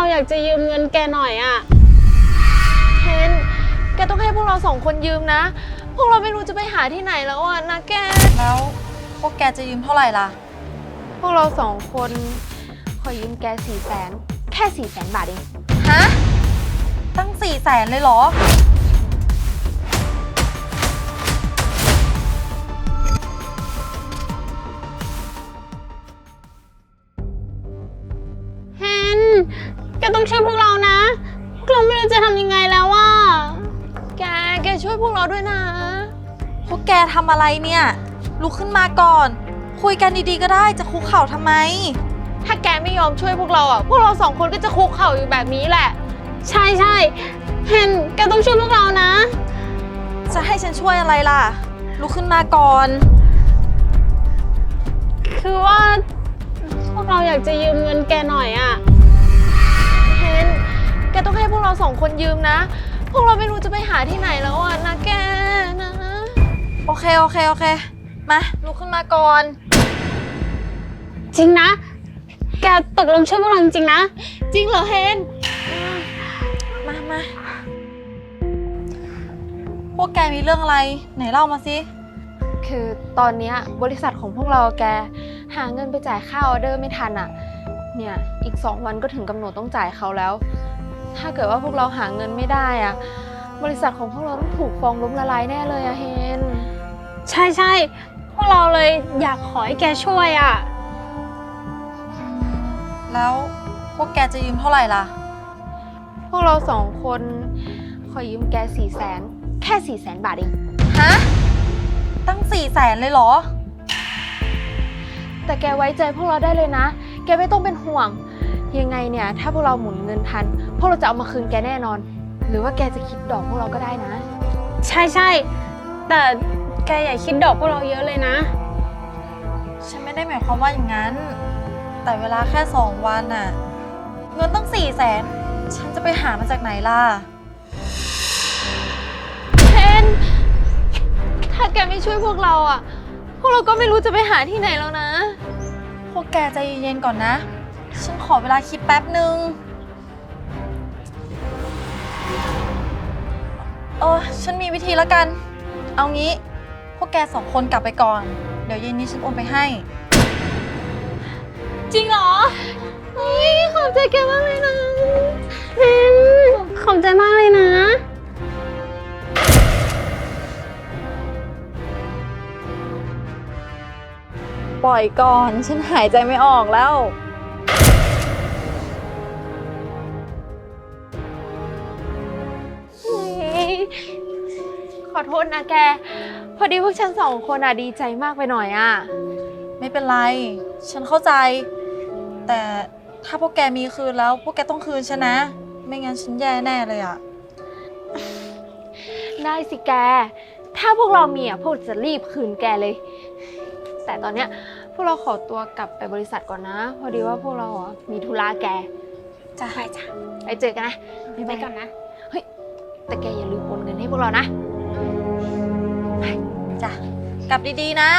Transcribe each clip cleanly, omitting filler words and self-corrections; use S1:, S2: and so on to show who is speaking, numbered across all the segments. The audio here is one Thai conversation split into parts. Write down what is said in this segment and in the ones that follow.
S1: อยากจะยืมเงินแกหน่อยอะ
S2: เทนแกต้องให้พวกเรา2 คนยืมนะพวกเราไม่รู้จะไปหาที่ไหนแล้วอ่ะนะแก
S3: แล้วพวกแกจะยืมเท่าไหร่ล่ะ
S2: พวกเรา2 คนขอยืมแก400,000แค่400,000 บาทเอง
S3: ฮะตั้ง400,000เลยเหรอ
S1: เฮนแกต้องช่วยพวกเรานะพวกเราไม่รู้จะทำยังไงแล้วอะ
S2: แกช่วยพวกเราด้วยนะ
S3: พวกแกทำอะไรเนี่ยลุกขึ้นมาก่อนคุยกันดีๆก็ได้จะคุกเข่าทำไม
S2: ถ้าแกไม่ยอมช่วยพวกเราอ่ะพวกเรา2 คนก็จะคุกเข่าอยู่แบบนี้แหละ
S1: ใช่เฮนแกต้องช่วยพวกเรานะ
S3: จะให้ฉันช่วยอะไรล่ะลุกขึ้นมาก่อน
S1: คือว่าพวกเราอยากจะยืมเงินแกหน่อยอะ
S2: เฮนแกต้องให้พวกเรา2 คนยืมนะพวกเราไม่รู้จะไปหาที่ไหนแล้วอ่ะนะแกนะ
S3: โอเคมาลุกขึ้นมาก่อน
S1: จริงนะแกตกลงช่วยพวกเราจริงๆนะ
S2: จริงเหรอเฮน
S3: มาพวกแกมีเรื่องอะไรไหนเล่ามาสิ
S2: คือตอนนี้บริษัทของพวกเราแกหาเงินไปจ่ายค่าออเดอร์ไม่ทันอ่ะเนี่ยอีก2 วันก็ถึงกำหนดต้องจ่ายเขาแล้วถ้าเกิดว่าพวกเราหาเงินไม่ได้อ่ะบริษัทของพวกเราต้องถูกฟ้องล้มละลายแน่เลยอะเฮน
S1: ใช่พวกเราเลยอยากขอให้แกช่วยอะ
S3: แล้วพวกแกจะยืมเท่าไหร่ล่ะ
S2: พวกเรา2 คนขอยืมแก400,000แค่400,000 บาทเอง
S3: ฮะตั้ง400,000เลยเหรอ
S2: แต่แกไว้ใจพวกเราได้เลยนะแกไม่ต้องเป็นห่วงยังไงเนี่ยถ้าพวกเราหมุนเงินทันพวกเราจะเอามาคืนแกแน่นอนหรือว่าแกจะคิดดอกพวกเราก็ได้นะ
S1: ใช่แต่แกอย่าคิดดอกพวกเราเยอะเลยนะ
S3: ฉันไม่ได้หมายความว่าอย่างนั้นแต่เวลาแค่2 วันน่ะเงินตั้ง400,000ฉันจะไปหามาจากไหนล่ะ
S2: เทนถ้าแกไม่ช่วยพวกเราอ่ะพวกเราก็ไม่รู้จะไปหาที่ไหนแล้วนะ
S3: พวกแกใจเย็นๆก่อนนะฉันขอเวลาคิดแป๊บนึงฉันมีวิธีแล้วกันเอางี้พวกแก2 คนกลับไปก่อนเดี๋ยวเย็นนี้ฉันโอนไปให้
S2: จริงเหรอขอบใจแกมากเลยนะ
S1: ขอบใจมากเลยนะ
S3: ปล่อยก่อนฉันหายใจไม่ออกแล้ว
S2: ขอโทษนะแกพอดีพวกฉัน2 คนดีใจมากไปหน่อยอ่ะ
S3: ไม่เป็นไรฉันเข้าใจแต่ถ้าพวกแกมีคืนแล้วพวกแกต้องคืนฉันนะไม่งั้นฉันแย่แน่เลยอ่ะ
S2: ได้สิแกถ้าพวกเรามีพวกจะรีบคืนแกเลยแต่ตอนเนี้ยพวกเราขอตัวกลับไปบริษัทก่อนนะพอดีว่าพวกเรามีธุระแก
S1: จ้ะ
S2: ไปเจอกันนะ
S1: ไปก่อนนะ
S2: เฮ้ยแต่แกอย่าลืมโอนเงินให้พวกเรานะ
S3: จ้ะกลับดีๆนะ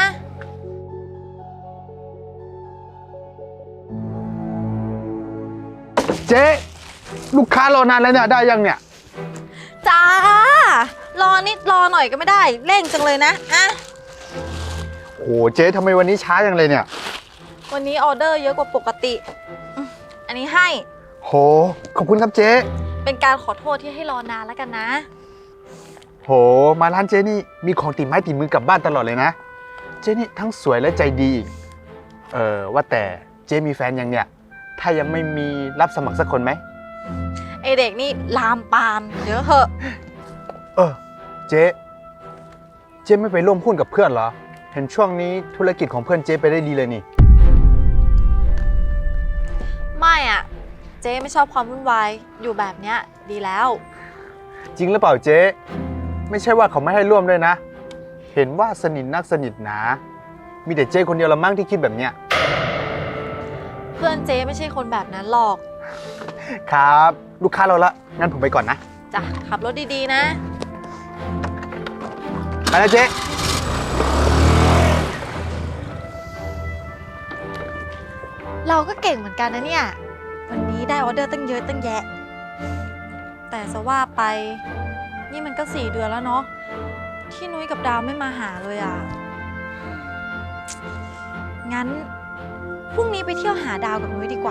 S4: เจ๊ลูกค้ารอนานแล้วเนี่ยได้ยังเนี่ย
S3: จ้ารอนิดรอหน่อยก็ไม่ได้เร่งจังเลยนะ
S4: โอ้เจ๊ทำไมวันนี้ช้าจังเลยเนี่ย
S3: วันนี้ออเดอร์เยอะกว่าปกติอันนี้ให้
S4: โหขอบคุณครับเจ๊
S3: เป็นการขอโทษที่ให้รอนานแล้วกันนะ
S4: โหมาร้านเจ๊นี่มีของติดไม้ติดมือกลับบ้านตลอดเลยนะเจ๊นี่ทั้งสวยและใจดีอีกว่าแต่เจ๊มีแฟนยังเนี่ยถ้ายังไม่มีรับสมัครสักคนไหม
S3: ไอเด็กนี่ลามปามเดี๋ยวเหอะ
S4: เจ๊ไม่ไปร่วมหุ้นกับเพื่อนเหรอเห็นช่วงนี้ธุรกิจของเพื่อนเจ๊ไปได้ดีเลยนี่
S3: ไม่อ่ะเจ๊ไม่ชอบความวุ่นวายอยู่แบบเนี้ยดีแล้ว
S4: จริงหรือเปล่าเจ๊ไม่ใช่ว่าเขาไม่ให้ร่วมด้วยนะเห็นว่าสนิทนักสนิทหนามีแต่เจ๊คนเดียวละมั้งที่คิดแบบเนี้ย
S3: เพื่อนเจ๊ไม่ใช่คนแบบนั้นหรอก
S4: ครับลูกค้าเราละงั้นผมไปก่อนนะ
S3: จ้ะขับรถดีๆนะ
S4: ไปนะเจ๊
S3: เราก็เก่งเหมือนกันนะเนี่ยวันนี้นี้ได้ออเดอร์ตั้งเยอะตั้งแยะ แต่จะว่าไปนี่มันก็4 เดือนแล้วเนาะที่นุ้ยกับดาวไม่มาหาเลยอ่ะ งั้นพรุ่งนี้ไปเที่ยวหาดาวกับนุ้ยดีกว่า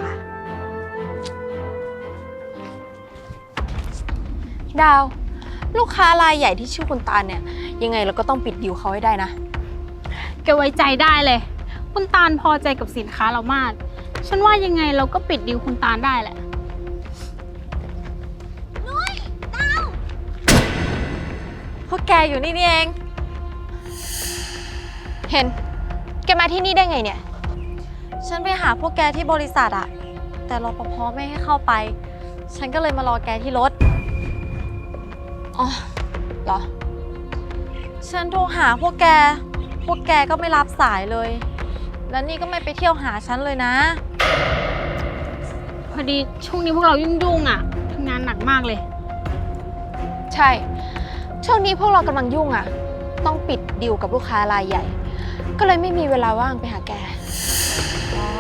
S2: ดาว ลูกค้ารายใหญ่ที่ชื่อคุณตาลเนี่ยยังไงเราก็ต้องปิดดีลเขาให้ได้นะ
S1: แกไว้ใจได้เลย คุณตาลพอใจกับสินค้าเรามาก ฉันว่ายังไงเราก็ปิดดีลคุณตาลได้แหละ
S3: พวกแกอยู่นี่เอง
S2: เห็น แกมาที่นี่ได้ไงเนี่ย
S3: ฉันไปหาพวกแกที่บริษัทอะแต่รปภไม่ให้เข้าไป ฉันก็เลยมารอแกที่รถ
S2: อ๋อเหรอ
S3: ฉันโทรหาพวกแกก็ไม่รับสายเลย แล้วนี่ก็ไม่ไปเที่ยวหาฉันเลยนะ
S1: พอดีช่วงนี้พวกเรายุ่งๆอ่ะทำงานหนักมากเลย
S2: ใช่ ช่วงนี้พวกเรากำลังยุ่งอ่ะ ต้องปิดดีลกับลูกค้ารายใหญ่ ก็เลยไม่มีเวลาว่างไปหาแก
S3: อ๋อ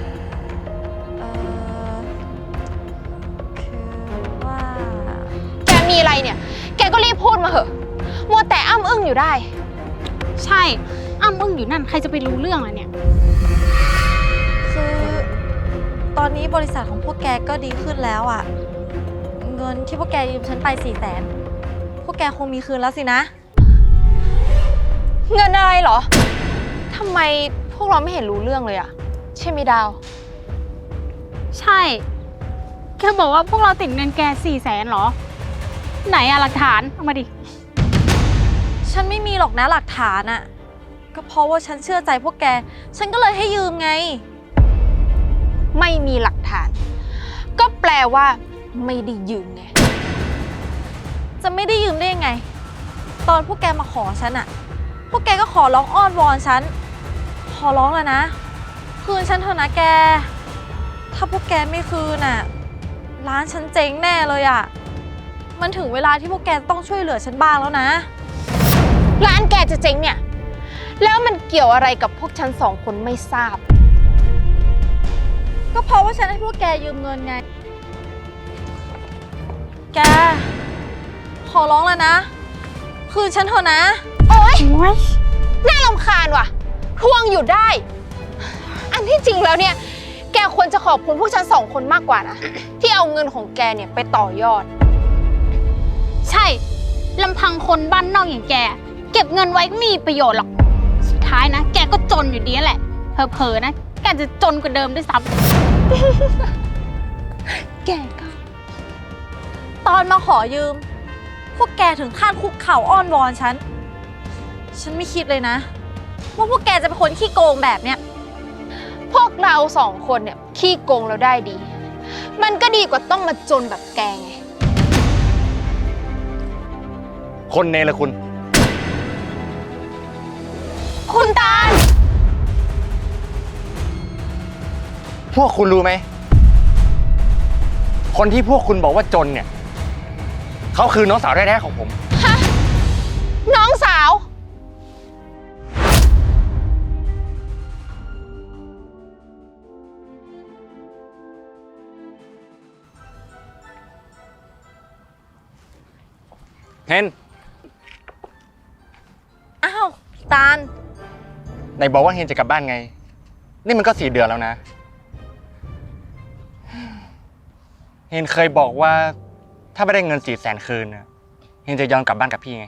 S3: คือว่า
S2: แกมีอะไรเนี่ย แกก็รีบพูดมาเหอะมัวแต่อ้ำอึ้งอยู่ได้
S1: ใช่อ้ำอึ้งอยู่นั่นใครจะไปรู้เรื่องล่ะเนี่ย
S3: คือตอนนี้บริษัทของพวกแกก็ดีขึ้นแล้วอะเงินที่พวกแกยืมฉันไป400,000พวกแกคงมีคืนแล้วสินะ
S2: เงินอะไรเหรอ ทำไมพวกเราไม่เห็นรู้เรื่องเลยอะใช่ไหมดาว
S1: ใช่ แกบอกว่าพวกเราติดเงินแก400,000หรอ ไหนอะหลักฐานเอามาดิ
S3: ฉันไม่มีหรอกนะหลักฐานอะก็เพราะว่าฉันเชื่อใจพวกแก ฉันก็เลยให้ยืมไง
S2: ไม่มีหลักฐาน ก็แปลว่าไม่ได้ยืมไง
S3: จะไม่ได้ยืมได้ยังไง ตอนพวกแกมาขอฉันอะพวกแกก็ขอร้องอ้อนวอนฉัน ขอร้องแล้วนะ คืนฉันเถอะนะแก ถ้าพวกแกไม่คืนอะร้านฉันเจ๊งแน่เลยอะมันถึงเวลาที่พวกแกต้องช่วยเหลือฉันบ้างแล้วนะ
S2: ร้านแกจะเจ๊งเนี่ย แล้วมันเกี่ยวอะไรกับพวกฉัน2 คนไม่ทราบ
S3: ก็เพราะว่าฉันให้พวกแกยืมเงินไง แก ขอร้องแล้วนะ คืนฉันเถอะนะ
S2: โอ๊ย น่ารำคาญว่ะทวงอยู่ได้ อันที่จริงแล้วเนี่ย แกควรจะขอบคุณพวกฉัน2 คนมากกว่านะ ที่เอาเงินของแกเนี่ยไปต่อยอด
S1: ใช่ลำพังคนบ้านนอกอย่างแก เก็บเงินไว้ก็ไม่มีประโยชน์หรอก สุดท้ายนะ แกก็จนอยู่ดีแหละ เผลอๆนะ แกจะจนกว่าเดิมด้วยซ้ำ
S2: แกก็
S3: ตอนมาขอยืม พวกแกถึงขั้นคุกเข่าอ้อนวอนฉัน ฉันไม่คิดเลยนะ ว่าพวกแกจะเป็นคนขี้โกงแบบเนี้ย
S2: พวกเรา2 คนเนี่ยขี้โกงเราได้ดี มันก็ดีกว่าต้องมาจนแบบแกไง
S4: คนเนรคุณ
S2: คุณตาล
S5: พวกคุณรู้ไหม คนที่พวกคุณบอกว่าจนเนี่ย เขาคือน้องสาวแท้ๆของผม
S2: ฮะ น้องสาว
S5: เห็น
S3: อ้าวตาล
S5: ไหนบอกว่าเฮนจะกลับบ้านไง นี่มันก็4 เดือนแล้วนะ เฮนเคยบอกว่าถ้าไม่ได้เงิน400,000คืนน่ะเฮนจะยอมกลับบ้านกับพี่ไง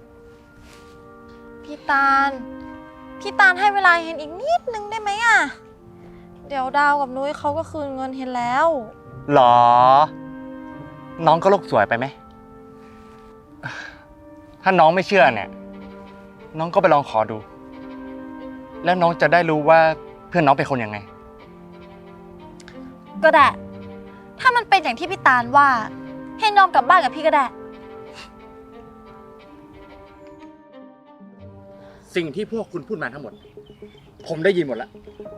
S3: พี่ตาล พี่ตาลให้เวลาเฮนอีกนิดนึงได้ไหมอะเดี๋ยวดาวกับนุ้ยเขาก็คืนเงินเฮนแล้ว
S5: หรอ น้องก็โลกสวยไปไหม ถ้าน้องไม่เชื่อเนี่ย น้องก็ไปลองขอดู แล้วน้องจะได้รู้ว่าเพื่อนน้องเป็นคนยังไง
S3: ก็ได้ ถ้ามันเป็นอย่างที่พี่ตาลว่าเฮนยอมกลับบ้านกับพี่ก็ได้
S5: สิ่งที่พวกคุณพูดมาทั้งหมด ผมได้ยินหมดแล้ว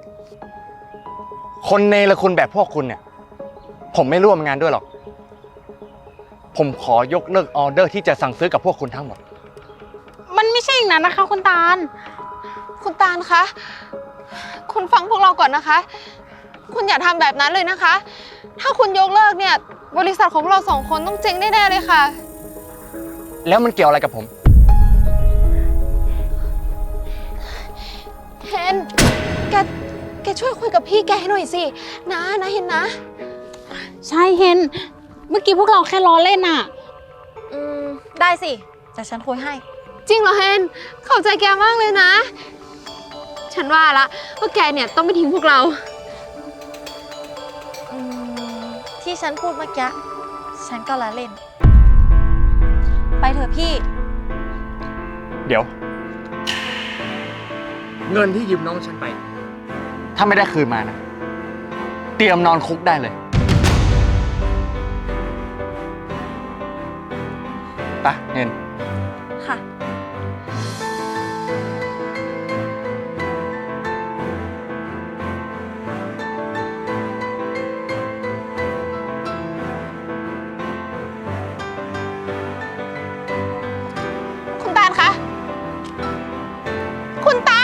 S5: คนเนรคุณแบบพวกคุณเนี่ย ผมไม่ร่วมงานด้วยหรอก ผมขอยกเลิกออเดอร์ที่จะสั่งซื้อกับพวกคุณทั้งหมด
S1: มันไม่ใช่อย่างนั้นนะคะคุณตาล
S2: คุณตาลคะ คุณฟังพวกเราก่อนนะคะ คุณอย่าทำแบบนั้นเลยนะคะถ้าคุณยกเลิกเนี่ย บริษัทของเราสองคนต้องเจ๊งแน่ๆเลยค่ะ
S5: แล้วมันเกี่ยวอะไรกับผม
S2: เฮนแกช่วยคุยกับพี่แกให้หน่อยสินะเฮนนะ
S1: ใช่เฮน เมื่อกี้พวกเราแค่ล้อเล่นอะ
S3: ได้สิแต่ฉันคุยให้
S2: จริงเหรอเฮนขอบใจแกมากเลยนะ ฉันว่าละว่าแกเนี่ยต้องไม่ทิ้งพวกเรา
S3: ที่ฉันพูดเมื่อกี้ฉันก็ละเล่น ไปเถอะพี่
S5: เดี๋ยว เงินที่ยืมน้องฉันไป ถ้าไม่ได้คืนมานะ เตรียมนอนคุกได้เลยไปเงิน
S3: ค่ะ
S2: คุณตาลคะ คุณตา